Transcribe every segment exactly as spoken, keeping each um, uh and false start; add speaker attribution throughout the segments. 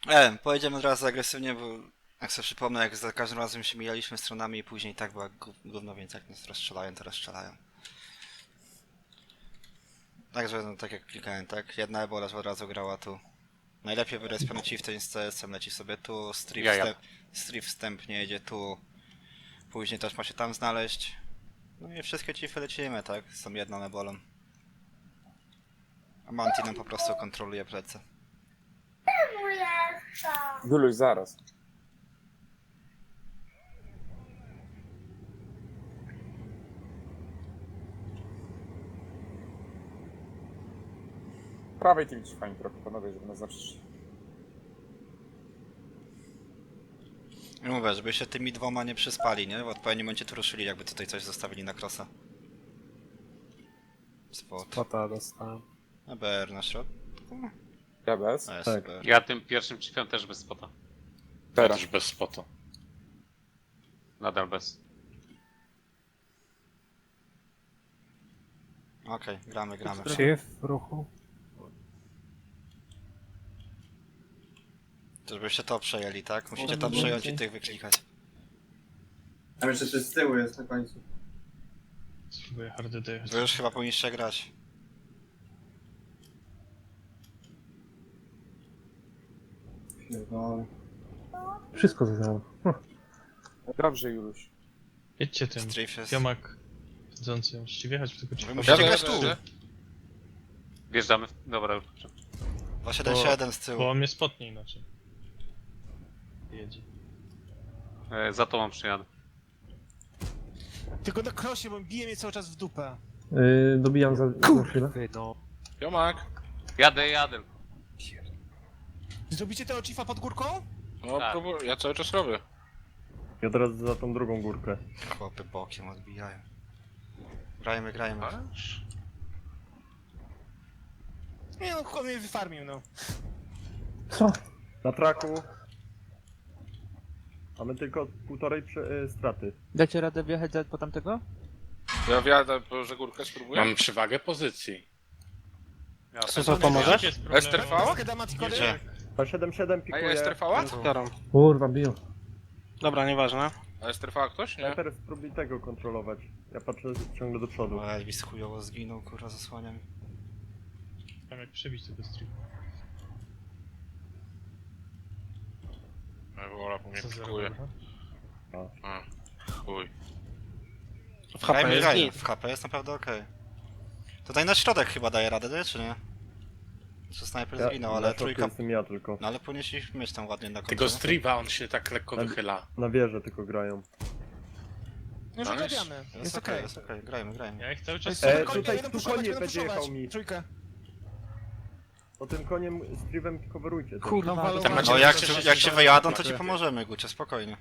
Speaker 1: E, pojedziemy od razu agresywnie, bo jak sobie przypomnę, jak za każdym razem się mijaliśmy stronami i później tak była gó- gówno, więc jak nas rozstrzelają, to rozstrzelają. Także, no, tak jak klikałem, tak? Jedna ebola od razu grała tu. Najlepiej wyrespiony Chieftain z C S-em leci sobie tu, Strip,
Speaker 2: Ja, ja.
Speaker 1: wstęp, strip wstępnie jedzie tu. Później też ma się tam znaleźć. No i wszystkie Chiefy lecimy, tak? Z tą jedną ebolą. A Manti nam po prostu kontroluje plecy.
Speaker 3: Guluś, zaraz. Prawej tymi fajnie trochę, panowie, żeby nas zawsze...
Speaker 1: I mówię, żeby się tymi dwoma nie przyspali, nie? W odpowiednim momencie tu ruszyli, jakby tutaj coś zostawili na krosa. Spot.
Speaker 4: Spota dostałem.
Speaker 1: A B R na środku?
Speaker 3: Ja bez.
Speaker 1: A jest
Speaker 4: Tak.
Speaker 1: B R.
Speaker 2: Ja tym pierwszym chiefem też bez spota.
Speaker 3: Teraz.
Speaker 5: Też bez spota.
Speaker 2: Nadal bez.
Speaker 1: Okej, gramy, gramy.
Speaker 4: Chief w ruchu.
Speaker 1: Żebyście to przejęli, tak? Musicie to przejąć i tych wyklikać.
Speaker 6: Tam jeszcze coś z tyłu jest na końcu.
Speaker 7: Spróbuję hardy dojechać.
Speaker 1: Wy już chyba powinniście grać.
Speaker 6: No,
Speaker 4: Wszystko zaznałem.
Speaker 3: Dobrze, Juluś.
Speaker 7: Jedźcie tym.
Speaker 1: Strif jest...
Speaker 7: Piomak chodzący. Musicie wjechać w tego
Speaker 1: Wy
Speaker 7: chiefa.
Speaker 1: musicie grać tu!
Speaker 2: Wjeżdżamy. w- Dobra, już.
Speaker 1: dwa siedem siedem z tyłu.
Speaker 7: Bo on mnie spotnie inaczej. Jedzie.
Speaker 2: E, za tobą przyjadę.
Speaker 8: Tylko na krosie, bo bije mnie cały czas w dupę.
Speaker 4: Yy, dobijam za, za chwilę.
Speaker 5: Jomak!
Speaker 2: Jadę, jadę.
Speaker 8: Zrobicie tego chiefa pod górką?
Speaker 5: No
Speaker 2: Tak.
Speaker 5: próbuję, ja cały czas robię.
Speaker 4: I od razu za tą drugą górkę.
Speaker 1: Chłopy bokiem odbijają. Grajmy, grajmy.
Speaker 5: Masz?
Speaker 8: Nie no, chłop mnie wyfarmił, no.
Speaker 4: Co? Na traku. Mamy tylko półtorej prze, y, straty.
Speaker 9: Dacie radę wjechać za, po tamtego?
Speaker 5: Ja wjadę, że górkę spróbuję. Mam przewagę pozycji.
Speaker 2: Ja
Speaker 8: Co
Speaker 2: też.
Speaker 8: to pomożesz?
Speaker 7: Jest problem.
Speaker 5: S T V?
Speaker 8: Peskę da Matikody?
Speaker 1: Gdzie?
Speaker 4: A siedem siedem
Speaker 5: A
Speaker 4: pikuje.
Speaker 5: jest trwała?
Speaker 4: Kurwa, biją.
Speaker 8: Dobra, nieważne.
Speaker 5: A jest trwała ktoś? Nie?
Speaker 4: Ja teraz spróbuj tego kontrolować. Ja patrzę ciągle do przodu.
Speaker 1: O, Elvis chujowo zginął, kurwa, zasłaniam.
Speaker 7: Tam jak przebić tego streamu.
Speaker 5: Wola po mnie
Speaker 7: Co za
Speaker 5: pikuje.
Speaker 7: dobra.
Speaker 5: A, chuj.
Speaker 8: W H P
Speaker 1: Grajmy,
Speaker 8: jest
Speaker 1: grajmy.
Speaker 8: git.
Speaker 1: W H P jest naprawdę okej. Tutaj na środek chyba daje radę, nie? Czy nie? Czy snajper
Speaker 4: Ja,
Speaker 1: zginął,
Speaker 4: na
Speaker 1: ale
Speaker 4: środku
Speaker 1: trójka...
Speaker 4: jestem ja tylko.
Speaker 1: No ale powinniśmy mieć tam ładnie na końcu.
Speaker 5: Tego
Speaker 1: nie?
Speaker 5: striba on się tak lekko
Speaker 4: Tak.
Speaker 5: wychyla.
Speaker 4: Na wieżę tylko grają.
Speaker 8: Już
Speaker 5: Nice.
Speaker 8: ogarniamy.
Speaker 1: Jest
Speaker 8: Jest
Speaker 1: okej,
Speaker 8: okej.
Speaker 1: jest okej, grajmy, grajmy.
Speaker 7: Ja ich cały czas...
Speaker 4: E,
Speaker 8: Konie,
Speaker 4: tutaj
Speaker 8: jeden
Speaker 4: tu
Speaker 8: puszować,
Speaker 4: konie
Speaker 8: jeden
Speaker 4: będzie
Speaker 8: puszować.
Speaker 4: jechał mi.
Speaker 8: Trójkę.
Speaker 4: To tym koniem z Trivem coverujcie. to.
Speaker 8: Kurwa,
Speaker 9: walą-
Speaker 8: to
Speaker 5: macie
Speaker 1: No jak,
Speaker 5: jeszcze
Speaker 1: jak się
Speaker 5: się
Speaker 1: wyjadą, to ci
Speaker 5: zobaczy.
Speaker 1: pomożemy, Gucie, spokojnie.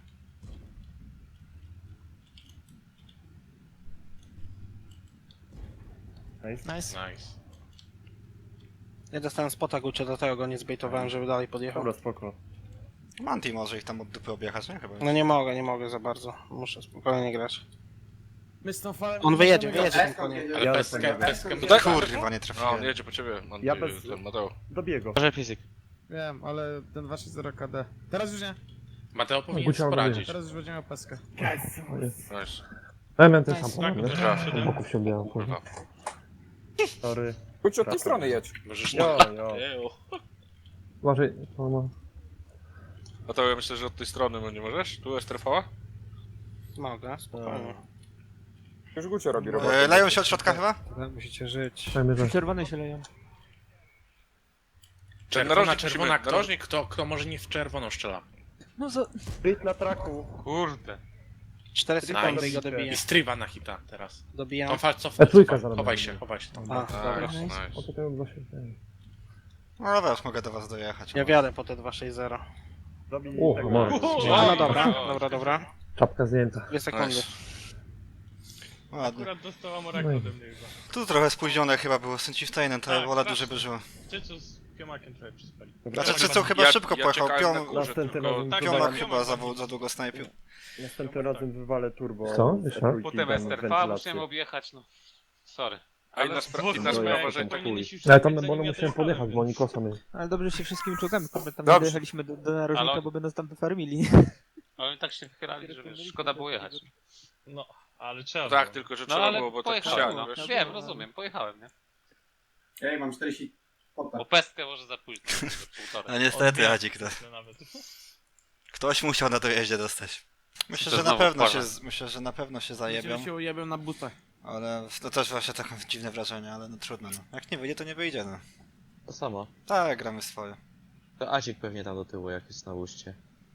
Speaker 4: Nice.
Speaker 8: Nice.
Speaker 5: Nice.
Speaker 8: Ja dostałem spota Gucie, do tego go nie zbejtowałem, żeby dalej podjechał.
Speaker 4: Dobra, spoko.
Speaker 1: Manti może ich tam od dupy objechać, nie? Chyba.
Speaker 8: No nie mogę, nie mogę za bardzo. Muszę spokojnie grać.
Speaker 6: my z tą falą...
Speaker 8: On wyjedzie, wyjedzie tym
Speaker 6: Eską
Speaker 8: koniem.
Speaker 6: jedzie.
Speaker 5: Ale
Speaker 4: Ja
Speaker 5: peskę,
Speaker 4: jestem
Speaker 5: peskę
Speaker 1: No
Speaker 5: tutaj.
Speaker 1: kurwa, nie
Speaker 5: No,
Speaker 1: trafiłem.
Speaker 5: on jedzie po ciebie. On
Speaker 4: Ja
Speaker 5: ja
Speaker 4: bez-
Speaker 5: ten Mateo.
Speaker 4: Dobiego.
Speaker 9: Może fizyk.
Speaker 6: Wiem, ale ten dwa sześć zero K D. Teraz już nie.
Speaker 5: Mateo powinien
Speaker 4: Gucia
Speaker 5: poradzić.
Speaker 6: Teraz już będzie miał peskę.
Speaker 5: Nice.
Speaker 4: Ja miałem ten
Speaker 8: Nice.
Speaker 4: sam
Speaker 7: Tak,
Speaker 4: pomysł, wiesz?
Speaker 7: trafił.
Speaker 4: Od boków się odbijałem.
Speaker 5: Kurwa.
Speaker 4: Sorry.
Speaker 3: Chodź od tej strony jedź.
Speaker 5: Możesz
Speaker 4: Jo, jo.
Speaker 5: Ejo.
Speaker 4: Uważaj, to ma...
Speaker 5: Mateo, ja myślę, że od tej strony no nie możesz? Tu jest trwała?
Speaker 8: Mogę, spokojnie.
Speaker 3: Już Gucio robi robotę.
Speaker 1: E, leją się od środka chyba?
Speaker 8: Musicie żyć.
Speaker 4: Dajmy, że...
Speaker 9: Czerwone się leją.
Speaker 5: Czerwona,
Speaker 3: narożnik
Speaker 5: czerwona,
Speaker 3: musimy-
Speaker 5: narożnik, kto, kto może nie w czerwoną strzela.
Speaker 9: No za...
Speaker 4: Split na traku.
Speaker 2: Kurde.
Speaker 8: Cztery sekundy i go
Speaker 4: Nice.
Speaker 8: dobiję.
Speaker 5: I striba na hita teraz.
Speaker 8: Dobijam.
Speaker 5: Tą falcą,
Speaker 4: E, trójka
Speaker 5: cofaj,
Speaker 4: zaraz
Speaker 5: chowaj
Speaker 4: będzie.
Speaker 5: się, chowaj się.
Speaker 8: A, dobra.
Speaker 5: Nice,
Speaker 4: O,
Speaker 5: nice.
Speaker 4: to ten dwa się...
Speaker 1: No wiesz, mogę do was dojechać.
Speaker 8: Ja wjadę po te dwa sześć zero.
Speaker 4: Dobij
Speaker 10: O,
Speaker 4: tego.
Speaker 10: może.
Speaker 8: A, no dobra, dobra, dobra.
Speaker 10: Czapka zdjęta.
Speaker 8: Dwie sekundy.
Speaker 5: Nice.
Speaker 1: Ładnie.
Speaker 7: Akurat dostała Moraka
Speaker 10: No i-
Speaker 7: ode mnie chyba.
Speaker 1: Tu trochę spóźnione chyba było z tym Chieftainem, to
Speaker 7: Tak,
Speaker 1: wola
Speaker 7: strasznie.
Speaker 1: duży by żyło.
Speaker 7: Czycu z Piomakiem trochę przyspali.
Speaker 1: Znaczy Czycu chyba
Speaker 5: Ja-
Speaker 1: szybko
Speaker 5: ja
Speaker 1: pojechał,
Speaker 5: czekałem na
Speaker 1: Piom,
Speaker 5: górze,
Speaker 4: Następnym
Speaker 5: tylko-
Speaker 4: razem
Speaker 7: Tak,
Speaker 1: Piomak
Speaker 4: wywalę-
Speaker 1: chyba za, za długo snajpił.
Speaker 4: Następnym razem wywalę turbo.
Speaker 10: Co?
Speaker 4: z
Speaker 10: Jeszcze?
Speaker 4: trójki
Speaker 2: Potem
Speaker 4: dam
Speaker 2: S T R V
Speaker 4: wentylację.
Speaker 2: musiałem objechać, no. Sorry.
Speaker 5: A inna, spra- inna
Speaker 7: Dwóch
Speaker 5: sprawa,
Speaker 7: jak
Speaker 5: że to
Speaker 7: powinieneś już
Speaker 4: Ale
Speaker 7: zabić,
Speaker 4: tam
Speaker 7: zanim
Speaker 4: będą
Speaker 7: ja
Speaker 4: musiałem
Speaker 7: też
Speaker 4: podjechać, bo oni
Speaker 7: wpadłem.
Speaker 4: kosą jest.
Speaker 9: Ale dobrze się wszystkimi czołgami, kurde, tam
Speaker 3: Dobrze.
Speaker 9: dojechaliśmy do, do narożnika,
Speaker 2: Ale-
Speaker 9: bo by nas tam wyfarmili.
Speaker 2: Ale oni tak się wychylali, że wiesz, szkoda było jechać.
Speaker 7: No, ale trzeba
Speaker 5: tak,
Speaker 7: było.
Speaker 5: tylko że
Speaker 2: No
Speaker 5: trzeba
Speaker 2: ale
Speaker 5: było, bo tak
Speaker 2: pojechałem,
Speaker 5: siadł,
Speaker 2: no.
Speaker 5: wiesz.
Speaker 2: Wiem, rozumiem, pojechałem, nie?
Speaker 10: Ja mam czterdzieści pota.
Speaker 2: Bo pestkę może za późno, za półtora.
Speaker 1: No niestety,
Speaker 7: Odbiera
Speaker 1: Hadzik, to.
Speaker 7: to nawet.
Speaker 1: Ktoś musiał na dojeździe dostać. Myślę,
Speaker 2: To
Speaker 1: że na
Speaker 2: znowu
Speaker 1: pewno się,
Speaker 2: wpadłem.
Speaker 1: myślę, że na pewno się zajebią,
Speaker 6: się ujebią na butach.
Speaker 1: ale to też właśnie takie dziwne wrażenie, ale no trudno, no. Jak nie wyjdzie, to nie wyjdzie, no.
Speaker 11: To samo.
Speaker 1: Tak, gramy swoje.
Speaker 11: To Azik pewnie tam do tyłu, jak jest na uście.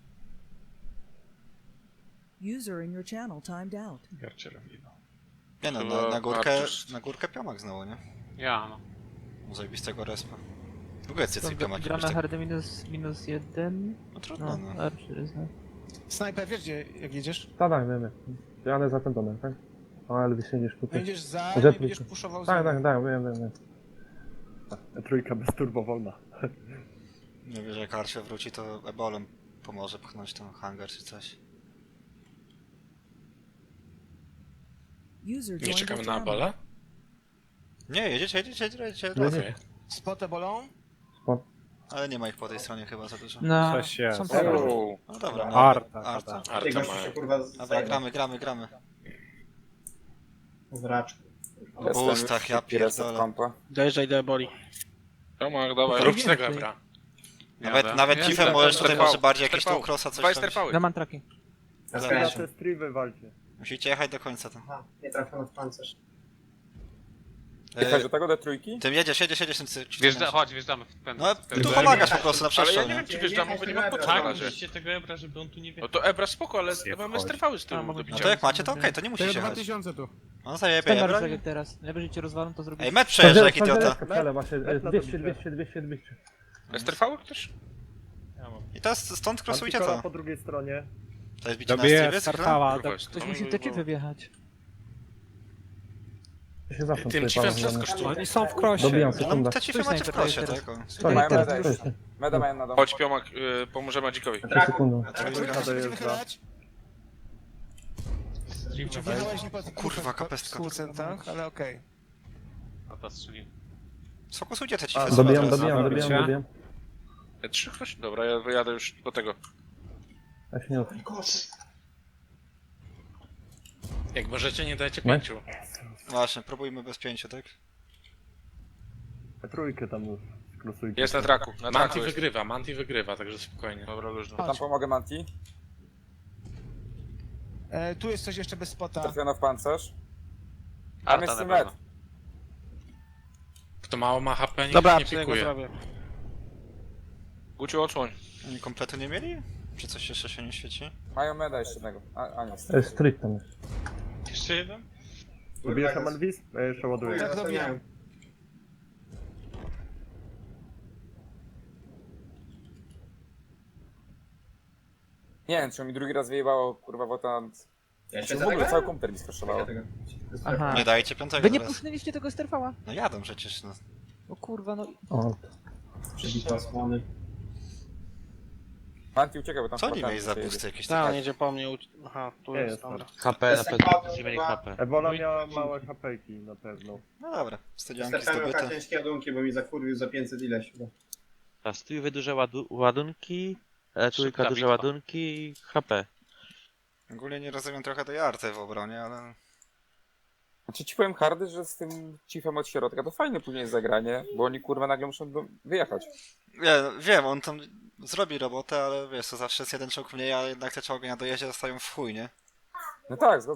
Speaker 12: User in your channel timed out.
Speaker 7: Garcie robi, no.
Speaker 1: Nie no,
Speaker 5: Chyba
Speaker 1: na, na górkę,
Speaker 5: Artus.
Speaker 1: na górkę piomak znowu, nie?
Speaker 2: Ja, no.
Speaker 1: Zajebistego respa. W ogóle cycy piomaki.
Speaker 9: Gramy
Speaker 1: tak...
Speaker 9: hardy minus, minus jeden.
Speaker 1: No trudno,
Speaker 9: No,
Speaker 1: no.
Speaker 9: Archer jest, no.
Speaker 6: Snajper, wiesz gdzie, jak jedziesz?
Speaker 4: Tak, tak, wiem, wiem. Jadę za ten domem, tak? Ale ty siedzisz tutaj.
Speaker 6: Będziesz za
Speaker 4: Że
Speaker 6: nim i będziesz
Speaker 4: trójka.
Speaker 6: puszował
Speaker 4: Tak,
Speaker 6: za
Speaker 4: tak, tak, wiem, wiem, wiem.
Speaker 3: Trójka bez turbo wolna.
Speaker 1: Nie wiem, że jak Archer wróci, to ebolem pomoże pchnąć ten hangar czy coś.
Speaker 12: User
Speaker 5: Nie
Speaker 12: joined
Speaker 5: czekamy
Speaker 12: your
Speaker 5: na
Speaker 12: channel.
Speaker 5: Abola?
Speaker 1: Nie, jedziecie, jedziecie, jedziecie.
Speaker 4: Nie,
Speaker 5: Okej.
Speaker 4: nie.
Speaker 6: Spotę bolą?
Speaker 1: Ale nie ma ich po tej stronie chyba za dużo.
Speaker 9: No,
Speaker 4: Coś jest.
Speaker 9: są pewne.
Speaker 5: Uuu,
Speaker 1: No dobra, no.
Speaker 4: Arta,
Speaker 1: Arta.
Speaker 10: Ty
Speaker 5: Arta
Speaker 10: gościu się
Speaker 5: ma.
Speaker 10: kurwa
Speaker 1: Dobra,
Speaker 10: zajebał.
Speaker 1: gramy, gramy, gramy.
Speaker 10: W raczku.
Speaker 1: O bustach, ja pierdolę.
Speaker 3: Kompa.
Speaker 8: Dojeżdżaj do Eboli.
Speaker 5: Tomek, dawaj, rób z tego Ebra.
Speaker 1: Nawet,
Speaker 2: Jadę.
Speaker 1: nawet
Speaker 2: Ja
Speaker 1: Chiefem
Speaker 2: jadę.
Speaker 1: możesz tutaj
Speaker 5: Sterpał,
Speaker 1: może bardziej jakieś
Speaker 5: sterpał.
Speaker 1: tu crossa coś
Speaker 5: Dwa
Speaker 1: robić.
Speaker 5: sterpały.
Speaker 9: Na mantraki.
Speaker 10: Ja
Speaker 1: Dobra.
Speaker 10: zgadzam.
Speaker 4: te striwy walcie.
Speaker 1: Musicie jechać do końca tam.
Speaker 10: Aha, nie trafiam w pancerz.
Speaker 3: Jechać
Speaker 1: E,
Speaker 3: do tego, do trójki?
Speaker 1: tym jedziesz, jedziesz, jedziesz tym cy-
Speaker 2: Wjeżdża, chodź, wjeżdżamy w pęd.
Speaker 1: No,
Speaker 2: w
Speaker 1: ty
Speaker 2: pęd-
Speaker 1: tu pomagasz po prostu na
Speaker 5: Ale ja
Speaker 1: przestrzał,
Speaker 5: nie
Speaker 1: nie?
Speaker 5: wiem, czy wjeżdżamy, bo nie mam po co
Speaker 7: Tak,
Speaker 5: na razie.
Speaker 7: musicie tego Ebra, żeby on tu nie
Speaker 5: No
Speaker 7: wjechał.
Speaker 5: to Ebra spoko, ale
Speaker 4: Zjeb
Speaker 5: mamy
Speaker 4: chodź.
Speaker 5: sterpały z
Speaker 9: A,
Speaker 5: tyłu
Speaker 9: mogę
Speaker 5: do
Speaker 9: być.
Speaker 1: No
Speaker 5: bicia.
Speaker 1: to jak macie, to okej, to nie
Speaker 6: To
Speaker 1: musisz
Speaker 6: jest dwa
Speaker 1: jechać.
Speaker 6: tysiące tu.
Speaker 1: No zajebie,
Speaker 9: Ten
Speaker 1: Ebra.
Speaker 9: tak jak teraz. Najwyżej cię rozwalą, to zrobisz.
Speaker 1: Ej, met przejeżdża, jak idiota.
Speaker 4: Skakale, właśnie, e, dwieście, dwieście, dwieście, dwieście.
Speaker 5: Sterpały ktoś?
Speaker 7: Ja mam.
Speaker 1: I teraz stąd crossujcie
Speaker 4: Antykola
Speaker 1: to.
Speaker 4: po drugiej stronie.
Speaker 1: To jest bicie na
Speaker 4: Dobiję
Speaker 1: Stevie,
Speaker 9: Startała,
Speaker 5: Kurwa,
Speaker 9: tak.
Speaker 5: jest
Speaker 9: Ktoś
Speaker 5: to.
Speaker 9: musi te chipy wjechać.
Speaker 4: To się zawsze
Speaker 5: Tym
Speaker 4: tutaj
Speaker 5: chiefem
Speaker 4: palą,
Speaker 5: wszystko
Speaker 4: no.
Speaker 5: sztuka.
Speaker 8: Oni są w krosie.
Speaker 4: Dobijam,
Speaker 1: No
Speaker 4: sekunda.
Speaker 1: te Chiefy
Speaker 9: Stój,
Speaker 1: macie w
Speaker 9: snajper,
Speaker 1: krosie,
Speaker 9: teraz.
Speaker 1: tak? o.
Speaker 4: Stoi,
Speaker 3: Mają
Speaker 4: teraz,
Speaker 3: meda
Speaker 4: stoi.
Speaker 3: jeszcze. Meda mają na dom.
Speaker 5: Chodź Piomak, y, pomożemy Adzikowi.
Speaker 4: Trzy sekundy.
Speaker 6: Trójka
Speaker 4: to
Speaker 6: się będzie
Speaker 4: jest
Speaker 6: wychylać.
Speaker 7: Stream
Speaker 6: Czy
Speaker 7: na
Speaker 6: wjechałeś nie po
Speaker 1: Kurwa, kapestka.
Speaker 6: w procentach, ale okej.
Speaker 2: A ta strzeli.
Speaker 1: Sfokusujcie te
Speaker 4: A,
Speaker 1: Chiefy.
Speaker 4: Dobijam,
Speaker 1: teraz.
Speaker 4: dobijam, dobijam,
Speaker 6: Dobra.
Speaker 4: dobijam.
Speaker 5: E, Trzy ktoś? Dobra, ja wyjadę już do tego.
Speaker 4: Ja się nie odczuję.
Speaker 5: Jak możecie, nie dajcie
Speaker 4: Nie?
Speaker 5: pięciu.
Speaker 1: Właśnie, próbujmy bez pięciu, tak?
Speaker 4: Trójkę tam już. Krosujcie.
Speaker 5: Jest na traku, na traku
Speaker 13: Manti
Speaker 5: jest.
Speaker 13: wygrywa, Manti wygrywa, także spokojnie.
Speaker 5: Dobra, luźno.
Speaker 3: Tam pomogę Manti.
Speaker 6: E, tu jest coś jeszcze bez spota.
Speaker 3: Trafiono w pancerz. Tam
Speaker 2: Arta
Speaker 3: jest
Speaker 2: na
Speaker 3: med.
Speaker 2: pewno.
Speaker 13: Kto mało ma H P, niech
Speaker 8: Dobra,
Speaker 13: nie
Speaker 8: przy niego
Speaker 13: pikuje.
Speaker 8: zrobię.
Speaker 5: Guciu, odsłoń.
Speaker 1: Oni kompletu nie mieli? Czy coś jeszcze się nie świeci?
Speaker 3: Mają meda jeszcze jednego. A, a nie.
Speaker 4: E, Street tam jest.
Speaker 7: Jeszcze jeden?
Speaker 4: Dobijesz Amanwis? Ja jeszcze ładuję.
Speaker 6: Tak, dobijam.
Speaker 3: Nie wiem, czy mi drugi raz wyjebało, kurwa, bo tam...
Speaker 10: Ja
Speaker 3: Czy w ogóle cały komputer mi skraszowało.
Speaker 9: Aha.
Speaker 1: Nie dajcie piątego
Speaker 9: Wy nie
Speaker 1: teraz.
Speaker 9: puszczaliście tego sterfała?
Speaker 1: No jadą przecież, no.
Speaker 9: O kurwa, no.
Speaker 4: O,
Speaker 10: Przebita osłony.
Speaker 3: Manti ucieka, bo tam
Speaker 1: Co oni
Speaker 3: spadamy,
Speaker 1: mieli za
Speaker 3: przejedzie.
Speaker 1: busty jakieś
Speaker 8: Tak, on
Speaker 1: takie?
Speaker 8: jedzie po mnie. uci- Aha, tu
Speaker 4: Nie
Speaker 8: jest,
Speaker 4: jest
Speaker 8: dobra.
Speaker 11: H P na pewno będziemy mieli H P.
Speaker 4: Ebola miała małe hapejki na pewno.
Speaker 1: No dobra, studianki
Speaker 10: Startamy
Speaker 1: zdobyte.
Speaker 10: na ciężkie ładunki, bo mi zakurwił za pięćset ileś chyba.
Speaker 11: A stójwy duże ładu ładunki, e, trójka
Speaker 2: Szybka
Speaker 11: duże
Speaker 2: bitwa.
Speaker 11: ładunki i H P.
Speaker 1: Ogólnie nie rozumiem trochę tej arty w obronie, ale...
Speaker 3: Znaczy ci powiem hardy, że z tym chiefem od środka to fajne później jest zagranie, bo oni kurwa nagle muszą do... wyjechać.
Speaker 1: Nie, no, wiem, on tam zrobi robotę, ale wiesz, to zawsze jest jeden czołg mniej, a jednak te czołgi na dojeździe zostają w chuj, nie?
Speaker 3: No tak, zgodzę